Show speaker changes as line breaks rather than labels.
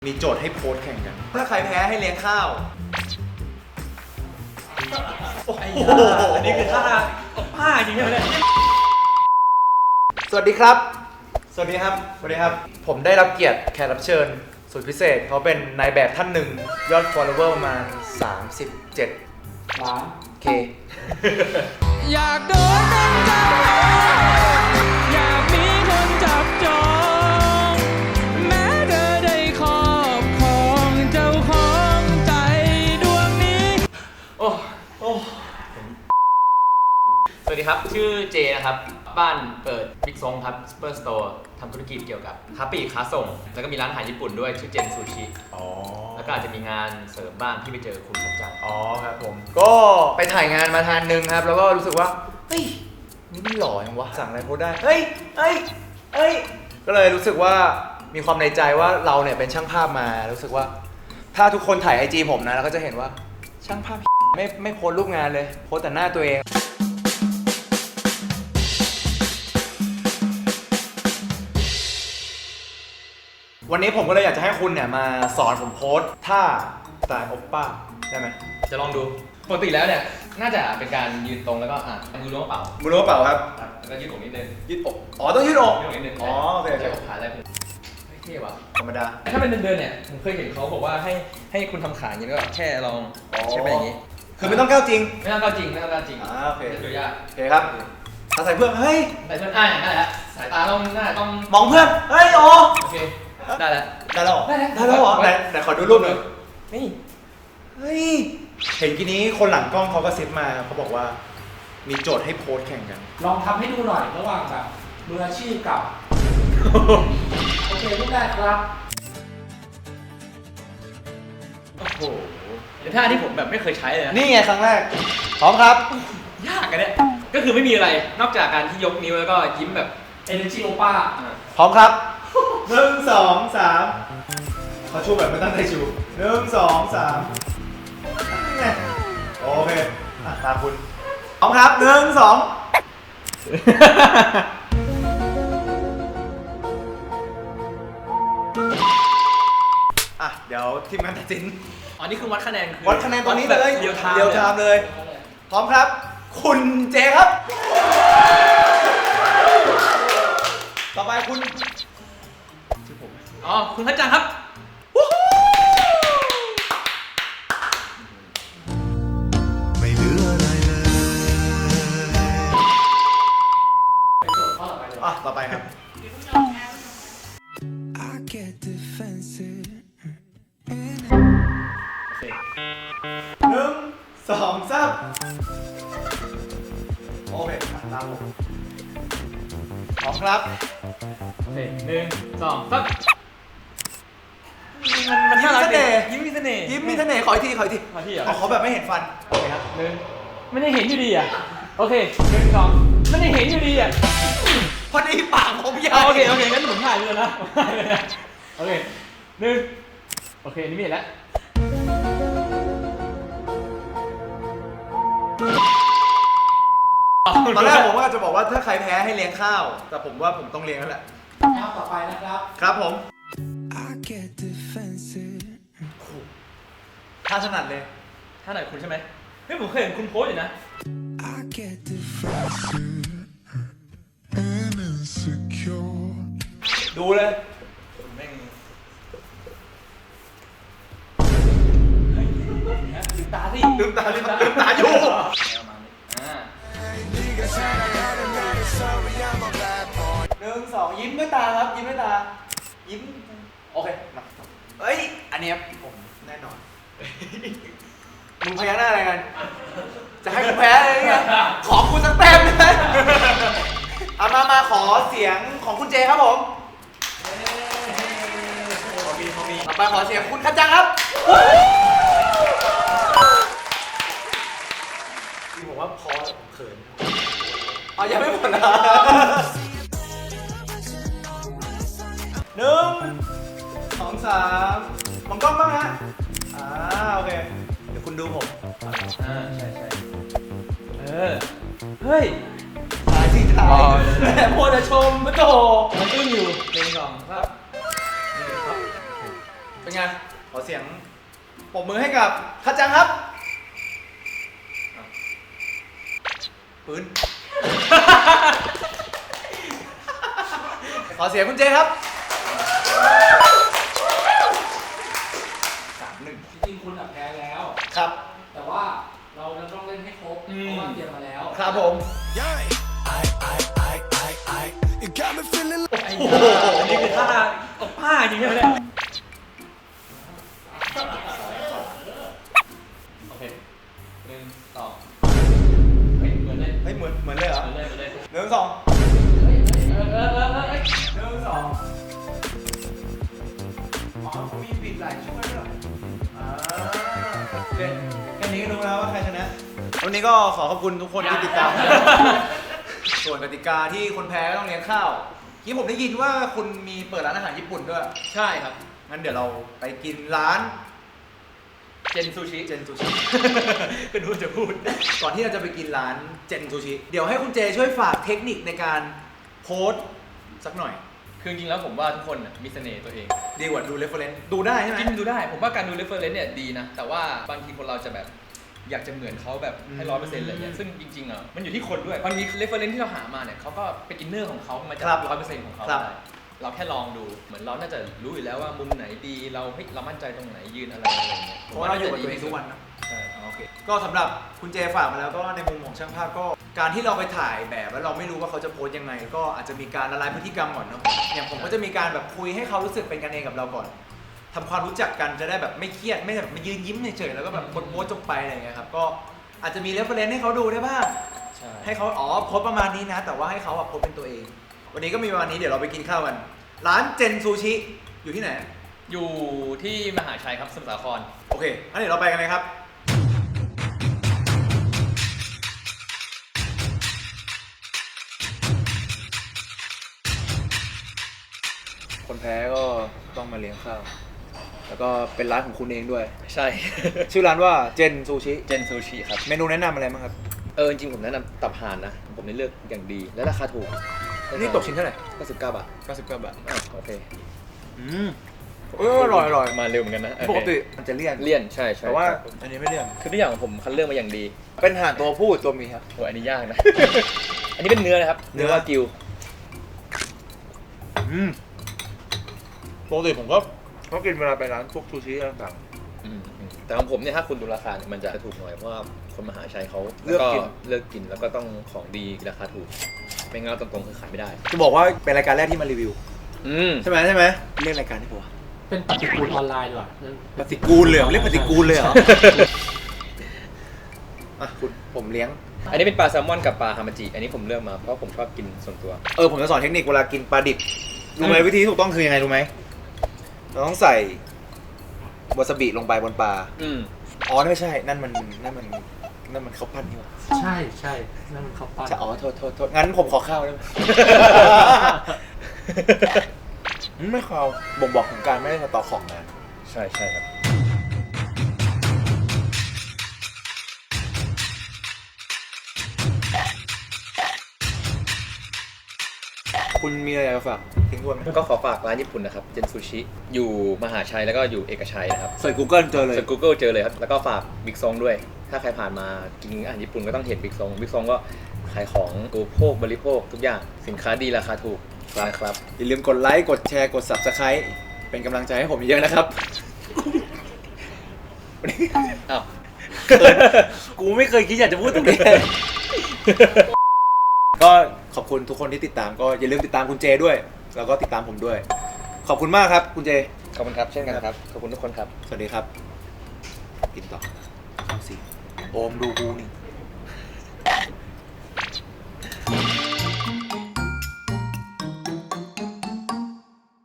มีโจทย์ให้โพสแข่งกันถ้าใครแพ้ให้เลี้ยงข้าวโอ้โห
อันนี้คือท่าผ้าจริงๆเลย
สวัสดีครับสวัสดีครับสวัสดีครับผมได้รับเกียรติแขกรับเชิญสุดพิเศษเขาเป็นนายแบบท่านหนึ่งยอด follower ประมาณ37 ล้าน K
อยากโดนเป็นเจ้าอยากมีคนจับจองแม้เธอได้ครอบครองเจ้าของใจดวงนี้โอ้สวัสดีครับชื่อเจนะครับบ้านเปิดบิ๊กซงครับซูเปอร์สโตร์ทำธุรกิจเกี่ยวกับค้าปลีกค้าส่งแล้วก็มีร้านอาหารญี่ปุ่นด้วยชื่อเจนซูชิแล้วก็อาจจะมีงานเสริมบ้างที่ไปเจอคุณสมจัง
อ๋อครับผมก็ไปถ่ายงานมาทานหนึ่งครับแล้วก็รู้สึกว่าเฮ้ยนี่มันหล่อยังวะสั่งอะไรโพสได้เฮ้ยก็เลยรู้สึกว่ามีความในใจว่าเราเนี่ยเป็นช่างภาพมารู้สึกว่าถ้าทุกคนถ่าย IG ผมนะเราก็จะเห็นว่าช่างภาพไม่โพสรูปงานเลยโพสแต่หน้าตัวเองวันนี้ผมก็เลยอยากจะให้คุณเนี่ยมาสอนผมโพสท่าสไตล์โอปป้าได้ไหม
จะลองดูปกติแล้วเนี่ยน่าจะเป็นการยืนตรงแล้วก็มือล้วงกระเป๋า
ครับ
แล้วก็ยืดอกนิดนึง
ยืดอกอ๋อต้องยืดอก
นิดนึง
อ๋อโอเค
ใช้อกขาได้เลยไม่เท่ว่ะ
ธรรมดา
ถ้าเป็นเดินเนี่ยผมเคยเห็นเขาบอกว่าให้คุณทำขาอย่างนี้แล้วก็แค่ลองใช้ไปอย่างนี้
คือไม่ต้องก้าวจริง
ไม่ต้องก้าวจริง
โอเค
ดูยาก
โอเคครับใส่เพื่อนเฮ้ย
ใส่เพื่อนได้แล้วสายตาต้อง
มองเพื่อนเฮ้ยโอ
เคได้แล้ว
เหรอไหนขอดูรูปหน่อย
นี่
เฮ้ยเห็นทีนี้คนหลังกล้องเขาก็ซิปมาเขาบอกว่ามีโจทย์ให้โพสแข่งกัน
ลองทำให้ดูหน่อยระหว่างแบบมืออาชีพกับโอเครูปแรกครับ
โอ้โหเป็นท่าที่ผมแบบไม่เคยใช้เลยนะ
นี่ไงครั้งแรกพร้อมครับ
ยากกันเนี่ยก็คือไม่มีอะไรนอกจากการที่ยกนิ้วแล้วก็ยิ้มแบบ
Energy Opa
พร้อมครับ1 2 3เขาชูแบบไม่ตั้งใจชู1 2 3โอเคตามคุณพร้อมครับ1 2เดี๋ยวทีมงานตัดสิน
อ๋อนี่คือวัดคะแนน
ตอนนี้เลย
เดียวไทม์
เลยพร้อมครับคุณเจครับต่อไปคุณชื่อผม
อ๋อคุณพัชจังครับ
ไม่เหลืออะไรเลยต่อไปครับ1 2 3โอเคตามผมพร้อมครับ
โอเค1 2 3มัน
ยิ้มเสน่ห์
ยิ้มมีเสน่ห์
ขออีกทีขอแบบไม่เห็นฟัน
โอเคครับไม่ได้เห็นอยู่ดีอ่ะโอเค1 2ไม่ได้เห็นอยู่ดีอ่ะ
พอดีปากผมยาว
โอเคงั้นผมถ่ายเลยนะโอเค1โอเคนี่ไม่เห็นแล้ว
ตอนแรกผมว่าจะบอกว่าถ้าใครแพ้ให้เลี้ยงข้าวแต่ผมว่าผมต้องเลี้ยงแล้วแหละ
ข้าวต่อไปนะครับ
ครับผมท่าถนัดเลย
ท่าไหนคุณใช่ไหมเฮ้ยผมเคยเห็นคุณโพสอยู่นะ
ดูเลย
แม่งลืมตาอยู่
1 2 ยิ้มด้วยตาครับยิ้มโอเคมาเฮ้ยอันนี้ผมแน่นอนมึงพยักหน้าอะไรกันจะให้กูแพ้เลยไงขอคุณสักแต้มเลยเอามาขอเสียงของคุณเจครับผมเขามีต่อไปขอเสียงคุณคัจจังครับที่ผมว่าพอแต่ผมเขินยังไม่หมดนะ1 2 3มองกล้องบ้างฮะโอเคเดี๋ยวคุณดูผม
ใช่เฮ้ย
ถ่ายที่ถ่าย
แต่โพสชมมันโตมันอึ้งอยู่1 2ครับ
เป็นเป็นไงขอเสียงปรบมือให้กับคัดจังครับปืน ขอเสียงคุณเจครับ3-1
จริงๆคุณแพ้แล้ว
ครับ
แต่ว่าเราจะต้องเล่นให้ครบ เพราะว่าเตรียมมาแล้ว
ครับผม
You got me feeling
ไอ้ยาอันนี้คือท่าเอาผ้าจริงใช่ไหมเนี่ยโอเค1 2เฮ้ยเหมือนเลย
เฮ้ยเหมือนเลยเหรอ
เหมือนเลยเหมือนเลย
หนึ่งสอง
เฮ้ย
หนึ่งสองอ๋อเขามีบิดหลายช่วยด้วยโอเคแค่นี้ก็รู้แล้วว่าใครชนะวันนี้ก็ขอขอบคุณทุกคนที่ติดตาม ส่วนกติกาที่คนแพ้ก็ต้องเลี้ยงข้าวที่ผมได้ยินว่าคุณมีเปิดร้านอาหารญี่ปุ่นด้วย
ใช่ครับ
งั้นเดี๋ยวเราไปกินร้าน
เจนซูชิ
เจนซูชิ
ก็ดูจะพูด
ก่อนที่เราจะไปกินร้านเจนซูชิ เดี๋ยวให้คุณเจช่วยฝากเทคนิคในการโพสต์สักหน่อย
คือจริงๆแล้วผมว่าทุกคนน่ะมีเสน่ห์ตัวเอง
ดีกว่าดูเรฟเฟอเรนซ์ดูได้ใช่ไหม
จริงๆดูได้ ผมว่าการดู reference เนี่ยดีนะ แต่ว่าบางทีคนเราจะแบบอยากจะเหมือนเขาแบบให้100%เลยเนี่ยซึ่งจริงๆอ่ะมันอยู่ที่คนด้วยบางที reference ที่เราหามาเนี่ยเขาก็เป็นอินเนอร์ของเขามาจาก100%ของเขาได้เราแค่ลองดูเหมือนเราน่าจะรู้อยู่แล้วว่ามุมไหนดีเราเฮ้ยเรามั่นใจตรงไหนยืนอะไรอย่างเงี้ย
เพราะว่าเราอยู่กับตัวเองทุกวันนะ
ใช่
โอเคก็สำหรับคุณเจฝากมาแล้วก็ในมุมของช่างภาพก็การที่เราไปถ่ายแบบแล้วเราไม่รู้ว่าเขาจะโพสต์ยังไง ก็อาจจะมีการละลายพฤติกรรมก่อนเนาะอย่างผมก็จะมีการแบบคุยให้เขารู้สึกเป็นกันเองกับเราก่อนทำความรู้จักกันจะได้แบบไม่เครียดไม่แบบมายืนยิ้มเฉยๆแล้วก็แบบโพสต์จบไปอะไรอย่างเงี้ยครับก็อาจจะมีเรฟเฟอเรนซ์ให้เขาดูได้บ้าง
ใช่
ให้เขาอ๋อโพสต์ประมาณนี้นะ แต่ว่าให้เขาแบบโพสต์เป็นตัวเอง วันนี้ก็มีประมาณนี้เดี๋ยวเราไปกินข้าวกันร้านเจนซูชิอยู่ที่ไหน
อยู่ที่มหาชัยครับสมุทรสาคร
โอเคงั้นเดี๋ยวเราไปกันเลยครับคนแพ้ก็ต้องมาเลี้ยงข้าวแล้วก็เป็นร้านของคุณเองด้วย
ใช่
ชื่อร้านว่าเจนซูชิ
เจนซูชิครับ
เมนูแนะนำอะไรบ้างครับ
จริงๆผมแนะนำตับห่านนะ ผมได้เลือกอย่างดีและราคาถูก
นี่ตกชิ้นเท่าไหร่
99 บาท
99 บาท
โอเค
อร่อย
มาเร็วเหมือนกันนะ
ปกติมันจะเลี่ยน
เลี่ยนใช่ใช่
แต่ว่า
ครับ
อันนี้ไม่เลี่ยน
คือทุกอย่างผมคัดเลือกมาอย่างดี
เป็นห่านตัวผู้ตัวเมียครับ
โหอันนี้ยากนะ อันนี้เป็นเนื้อนะครับ
เนื้อ
วากิว
ปกติผมก็กินเวลาไปร้านพวกซูชิต่าง
แต่ของผมเนี่ยถ้าคุณดูราคาเนี่ยมันจะถูกหน่อยเพราะว่าคนมหาชัยเขา
เลือกกิน
เลือกกินแล้วก็ต้องของดีราคาถูกไม่งั้นตรงๆคือขายไม่ได้
จะบอกว่าเป็นรายการแรกที่มารีวิว ใช่ไหมเรียกรายการที่ปะวะ
เป็นปฏิกูลออนไลน์ดีกว่า
ปฏิกูลเลยเหรอเรียกปฏิกูลเลยเหรอ อ่ะคุณผมเลี้ยง
อันนี้เป็นปลาแซลมอนกับปลาฮามาจิอันนี้ผมเลือกมาเพราะผมชอบกินส่วนตัว
ผมจะสอนเทคนิคเวลากินปลาดิบรู้ไหมวิธีที่ถูกต้องคือยังไงรู้ไหมเราต้องใส่วาซาบิลงไปบนปลาอ๋อไม่ใช่นั่นมันข้าวปั้นนี่หว่า
ใช่ใช่นั่นมันข้าวปั้น
ใช่อ๋อโทษงั้นผมขอข้าวได้ไหม ไม่ข้าวบ่งบอกถึงการไม่ได้สต็อกของนะ
ใช่ครับ
คุณมีอะไรจะฝากทิ้งทวนไหม
ก็ขอฝากร้านญี่ปุ่นนะครับเจนซูชิอยู่มหาชัยแล้วก็อยู่เอกชัยนะครับ
ใส่ Google เจอเลย
เสิร์ช Google เจอเลยครับแล้วก็ฝากบิ๊กซองด้วย ถ้าใครผ่านมากินอาหารญี่ปุ่นก็ต้องเห็นบิ๊กซองก็ขายของอุปโภคบริโภคทุกอย่างสินค้าดีราคาถูกครับ
อย่าลืมกดไลค์กดแชร์กด Subscribe เป็นกำลังใจให้ผมเยอะนะครับ
อ้าว
กูไม่เคยคิดอยากจะพูดตรงนี้ ก็ขอบคุณทุกคนที่ติดตามก็อย่าลืมติดตามคุณเจด้วย แล้วก็ติดตามผมด้วย ขอบคุณมากครับคุณเจ
ขอบคุณครับเช่นกันครับขอบคุณทุกคนครับ
สวัสดีครับ กินต่อเอาสิโอมดูกูนี่